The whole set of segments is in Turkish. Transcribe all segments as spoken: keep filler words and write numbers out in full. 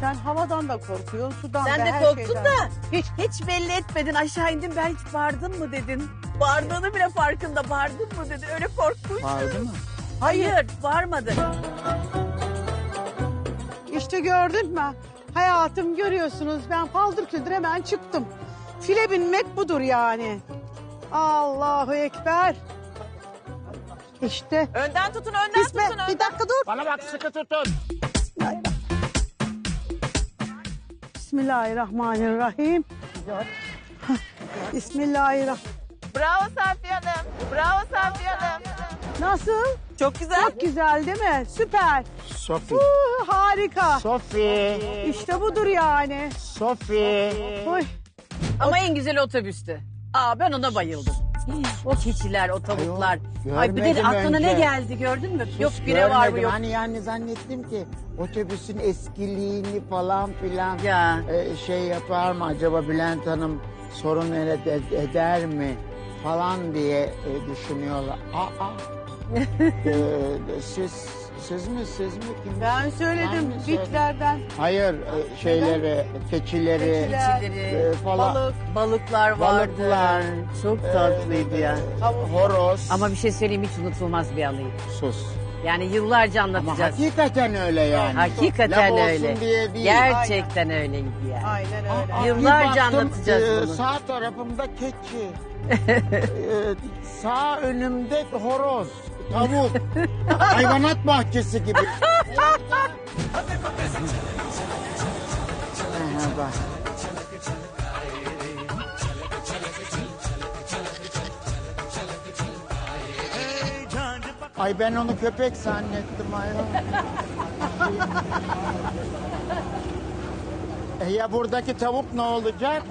Sen havadan da korkuyorsun, sudan Sen da, de her korktun şeyden. da hiç hiç belli etmedin. Aşağı indin, ben hiç bağırdın mı dedin. Bağırdığını bile farkında, bağırdın mı dedin. Öyle korkmuş. Vardı mı? Hayır, bağırmadı. İşte gördün mü? Hayatım görüyorsunuz, ben paldır küldür hemen çıktım. File binmek budur yani. Allahu Ekber. İşte. Önden tutun, önden İsmet, tutun, önden. bir dakika dur. Bana bak sıkı tutun. Bismillahirrahmanirrahim. Bismillahirrahmanirrahim. Bravo Safiye Hanım. Bravo Safiye Hanım. Nasıl? Çok güzel. Çok güzel değil mi? Süper. Sofi. Uh, harika. Sofi. İşte budur yani. Sofi. Oy. Ama en güzel otobüstü. Aa, ben ona bayıldım. O keçiler, o tavuklar. Ayol, Ay bir de görmedim aklına ne önce. geldi gördün mü? Hiç Yok bire var mı görmedim. yok. Hani yani zannettim ki otobüsün eskiliğini falan filan Ya. e, şey yapar mı acaba Bülent Hanım sorun ed- ed- eder mi falan diye e, düşünüyorlar. Aa, e, siz siz mi siz mi kim? Ben Ben söyledim mi söyledim? bitlerden. Hayır e, şeyleri keçileri Keçiler, Keçileri, e, falan balık. balıklar vardı. balıklar Çok e, tatlıydı ya. e, horoz. Ama bir şey söyleyeyim, hiç unutulmaz bir anıydı. sus. Yani yıllarca Ama anlatacağız. hakikaten öyle yani. Hakikaten Laf olsun öyle. diye değil. Gerçekten öyleydi yani. Aynen öyle. Aa, Yıllarca bir baktım, anlatacağız e, bunu. Sağ tarafımda keçi. e, sağ önümde horoz, tavuk. Hayvanat bahçesi gibi. Aha, bak. Ay ben onu köpek zannettim ayol. E ya buradaki tavuk ne olacak?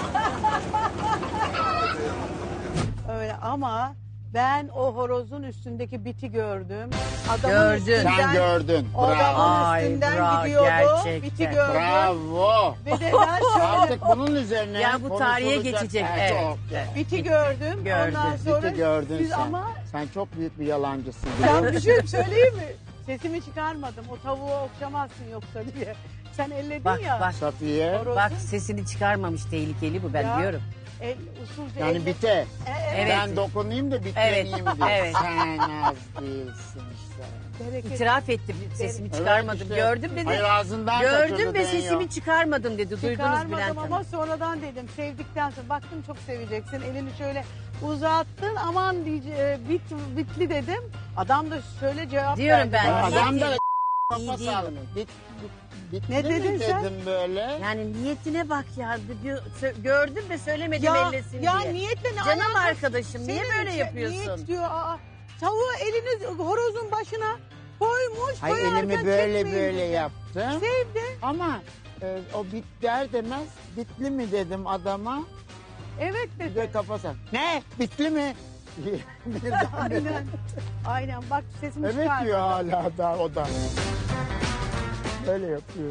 Öyle ama ben o horozun üstündeki biti gördüm. Adamın Gördün. üstünden, Sen gördün. o Bravo. adamın Ay, üstünden bravo, gidiyordu. gerçekten. Biti gördüm. Bravo. Ve de ben şöyle Artık bunun üzerine Ya bu tarihe konuşulacak. geçecek, Evet, evet. çok. biti gördüm. Gördün, Ondan sonra Biti gördün biz sen. ama Sen çok büyük bir yalancısın. ben bir şey söyleyeyim mi? Sesimi çıkarmadım. O tavuğu okşamazsın yoksa diye. Sen elledin Bak ya. bak. Safiye. Horoz- Bak sesini çıkarmamış, tehlikeli bu, ben Ya. diyorum. El, usulca Yani elle- bite. E, evet. Ben dokunayım da bitleneyim Evet, diye. evet. Sen az değilsin işte. Bereket. İtiraf etti, sesimi Evet, çıkarmadım. işte. Gördüm dedi. Hayır ağzından kaçırdı Gördüm ve deniyor. sesimi çıkarmadım dedi. Duydunuz Çıkarmadım Bülent ama Hanım. sonradan dedim. Sevdikten sonra baktım çok seveceksin. Elini şöyle uzattın. Aman diye, bit, bitli dedim. Adam da şöyle cevap Diyorum verdi. ben. bana. Adam da İyi kafa değil sallıyor. bunun. Bit, bit, Ne bitli mi dedin sen? dedim böyle. Yani niyetine bak ya. Bir- sö- Gördüm ve söylemedim Ya, ellesin ya diye. niyetle ne Canım alakası- arkadaşım, niye Senin böyle şey- yapıyorsun? Niyet diyor. Aa, tavuğu elini horozun başına koymuş. Hayır koyarken elimi böyle çekmeyin böyle dedi. yaptım. Sevdi. Ama e, o bit der demez bitli mi dedim adama. Evet Bir dedi. de kafası. Ne? Bitli mi? Birden Aynen. Aynen. Bak sesimi Evet çıkardı. diyor hala da o da. Öyle yapıyor.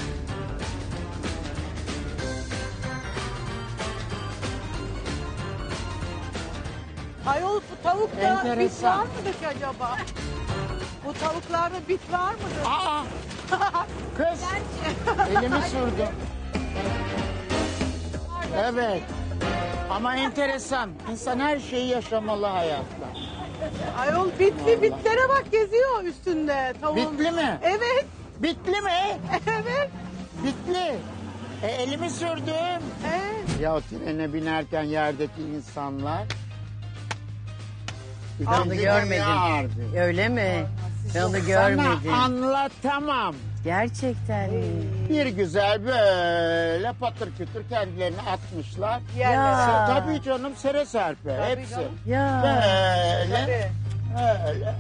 Ayol bu tavukta bit Enteresan. var mıdır ki acaba? Bu tavuklarda bit var mıdır? Aa! Kız! Elimi sürdüm. Evet. Ama enteresan. İnsan her şeyi yaşamalı hayatta. Ayol bitli bitlere bak geziyor üstünde tavuğun. Bitli mi? Evet. Bitli mi? Evet. Bitli. E, elimi sürdüm. Evet. Ya o trene binerken yerdeki insanlar. Onu görmedim. Öyle mi? Ben onu görmedim. Sana anlatamam. Gerçekten mi? Bir güzel böyle patır kütür kendilerini atmışlar. Yerlere. Ya. Se- Tabii canım sere serpe Tabii hepsi. canım. Ya. Böyle Tabii. öyle.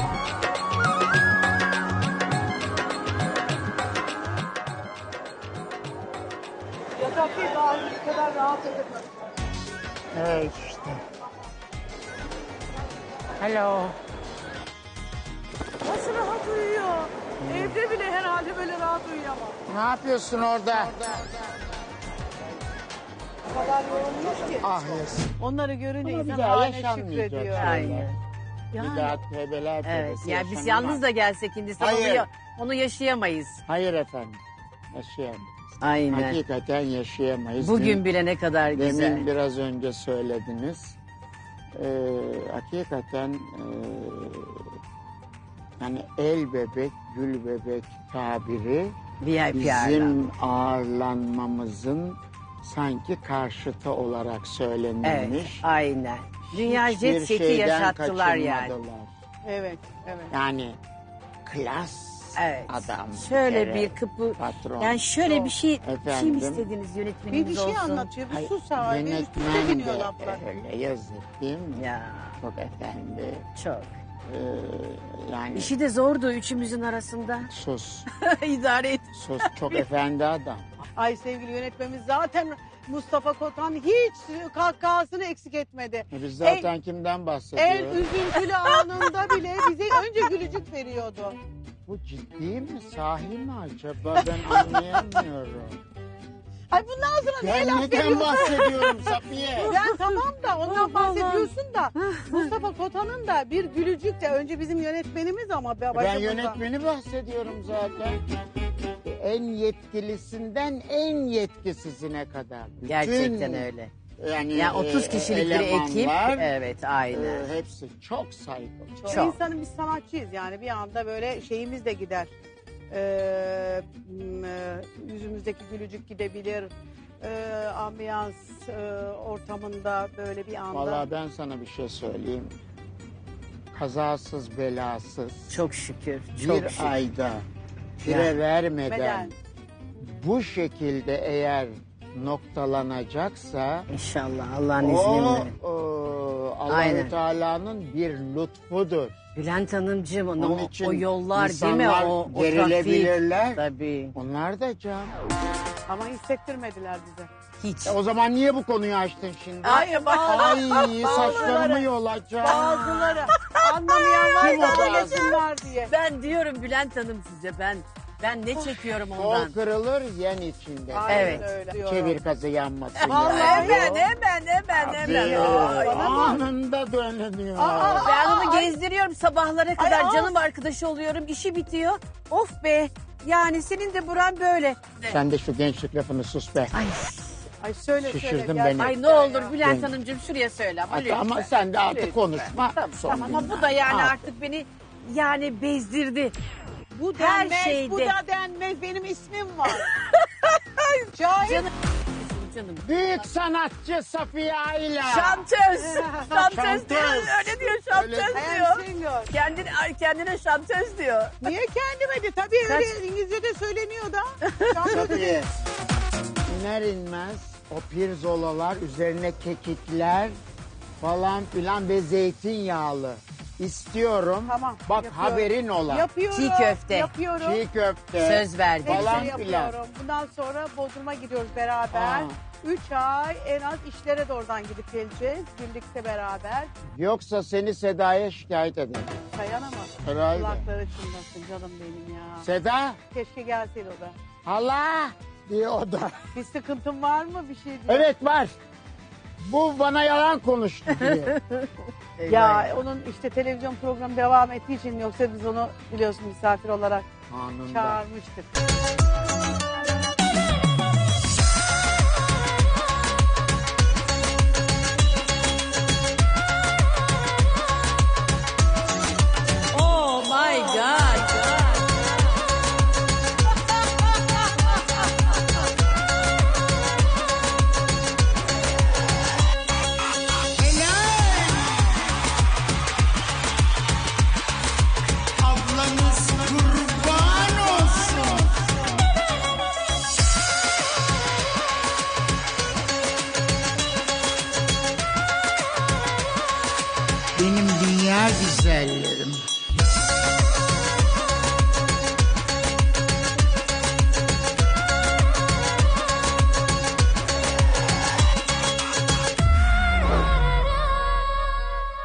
Yatak değil daha bu kadar rahat edemez. Evet işte. Hello. Nasıl rahat uyuyor? Evde bile herhalde böyle rahat uyuyamam. Ne yapıyorsun orada? O kadar yorulmuş ki. Ah yes. Onları görünce Ama bir insan daha haline yaşanmayacak şükrediyor. şeyler. Aynen. Bir daha tövbeler Evet. tövbesi Yani biz yaşanamaz. yalnız da gelsek Hindistan onu, Hayır. ya- onu yaşayamayız. Hayır efendim. Yaşayamayız. Aynen. Hakikaten yaşayamayız. Bugün Demin- bile ne kadar güzel. Demin biraz önce söylediniz. Ee, hakikaten e, yani el bebek, gül bebek tabiri V I P ağırlanma. bizim ağırlanmamızın sanki karşıtı olarak Evet, söylenilmiş. aynen. Dünya Hiçbir jet seti şeyden yaşattılar yani. kaçınmadılar. Evet, evet. Yani klas Evet. adam. Şöyle kere, bir kapı. patron. Yani şöyle bir şey, bir şey mi Efendim? istediniz Bir, yönetmenimiz bir şey olsun? anlatıyor, bir Hayır, sus abi. Üst üste yönetmen biniyor de laflar. öyle yazık değil mi? Ya Çok efendi. çok. Ee, yani İşi de zordu üçümüzün arasında. sus, İdare et. sus çok efendi adam. Ay sevgili yönetmenimiz zaten Mustafa Kotan hiç kahkahasını eksik etmedi. E Biz zaten kimden En bahsediyoruz? üzüntülü anında bile bize önce gülücük veriyordu. Bu ciddi mi? Sahi mi acaba? Ben anlayamıyorum. Ay bundan sonra neye Ben laf neden veriyorsun? bahsediyorum Safiye? Ben tamam da ondan Allah bahsediyorsun da Mustafa Kotan'ın da bir gülücük de önce bizim yönetmenimiz ama Ben başımızda. yönetmeni bahsediyorum zaten. En yetkilisinden en yetkisizine kadar. Bütün, Gerçekten öyle. Yani Yani otuz e, kişilik bir ekip. elemanlar, Evet, aynen. e, hepsi çok saygılı. Çok. Çok. İnsanın biz sanatçıyız yani bir anda böyle şeyimiz de gider. Ee, m, e, yüzümüzdeki gülücük gidebilir. Ee, ambiyans e, ortamında böyle bir anda. Vallahi ben sana bir şey söyleyeyim. Kazasız belasız Çok şükür. Çok bir şükür. ayda fire Yani. vermeden Neden? bu şekilde eğer noktalanacaksa İnşallah Allah'ın o, izniyle. o Allahü Aynen. Teala'nın bir lütfudur. Bülent Hanımcığım Onun o, için o yollar değil mi? insanlar O, o gerilebilirler. trafik. Tabii. Onlar da can. Ama hissettirmediler bize. Hiç. E o zaman niye bu konuyu açtın şimdi? Ay, bak- Ay saçlarımı yolacağım. Bazıları anlamayan Kim o var da bazı? anlasınlar diye. Ben diyorum Bülent Hanım size ben ben ne çekiyorum ondan. Kol kırılır yen içinde. Aynen Evet. öyle diyorum. Çevir kazı yanmasın. Vallahi ya. Hemen hemen hemen hemen. Tabii. Ay, Anında dönüyor. Ben onu gezdiriyorum sabahlara kadar Ay, canım arkadaşı oluyorum işi bitiyor. Of be yani senin de buran böyle. Sen de şu gençlik lafını sus be. Ay, Ay söyle Şişirdin söyle. beni. ay ne olur Ya. Bülent Ben- Hanımcığım şuraya söyle ama Hatta lütfen. ama sen de artık Lütfen. konuşma. Tamam, Son tamam ama günler. bu da yani Al. artık beni yani bezdirdi. Bu Her denmez, şeyde. bu da denmez. Benim ismim var. Cahil. Canım canım. Büyük sanatçı Safiye Ayla. Şantöz. Şantöz Şantöz. diyor. Öyle diyor şantöz Öyle- I diyor. am singer. Kendine, ay, kendine şantöz diyor. Niye kendime de? Tabii Kaç- öyle İngilizce'de söyleniyor da. Safiye. İner inmez o pirzolalar üzerine kekikler falan filan ve zeytinyağlı. İstiyorum. Tamam, Bak yapıyorum. haberin ola. Yapıyorum. Çiğ köfte. Yapıyorum. Çiğ köfte. Söz verdi. Hepsini falan filan. yapıyorum. Bundan sonra Bodrum'a gidiyoruz beraber. Aa. Üç ay en az işlere de oradan gidip geleceğiz. Birlikte beraber. Yoksa seni Seda'ya şikayet ederim. Dayanamaz. Herhalde. Kulakları çınlasın canım benim ya. Seda, Keşke gelseydi o da. hala diye o da. Bir sıkıntın var mı? Bir şey diyor. Evet var. Bu bana yalan konuştu diye. Ya onun işte televizyon programı devam ettiği için yoksa biz onu biliyorsun misafir olarak Anında. çağırmıştık. Oh my God. Ablanız kurban olsun. Benim dünya güzelleri.